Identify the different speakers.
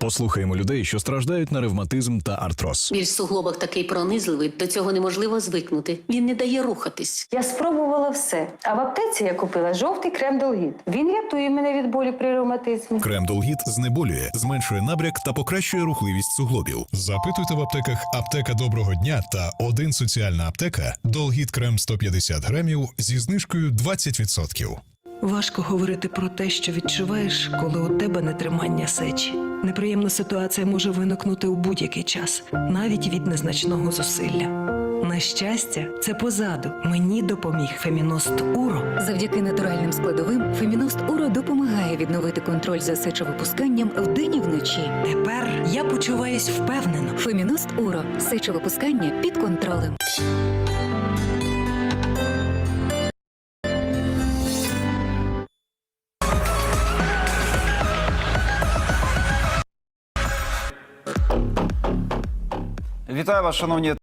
Speaker 1: Послухаємо людей, що страждають на ревматизм та артроз.
Speaker 2: Біль в суглобах такий пронизливий, до цього неможливо звикнути. Він не дає рухатись.
Speaker 3: Я спробувала все. А в аптеці я купила жовтий крем Долгіт. Він рятує мене від болі при ревматизмі.
Speaker 4: Крем Долгіт знеболює, зменшує набряк та покращує рухливість суглобів. Запитуйте в аптеках «Аптека Доброго дня» та «Один соціальна аптека» Долгіт крем 150 грамів зі знижкою 20%.
Speaker 5: Важко говорити про те, що відчуваєш, коли у тебе нетримання сечі. Неприємна ситуація може виникнути у будь-який час, навіть від незначного зусилля. На щастя, це позаду. Мені допоміг Феміност Уро.
Speaker 6: Завдяки натуральним складовим Феміност Уро допомагає відновити контроль за сечовипусканням вдень і вночі.
Speaker 5: Тепер я почуваюсь впевнено.
Speaker 6: Феміност Уро. Сечовипускання під контролем.
Speaker 7: Вітаю вас, шановні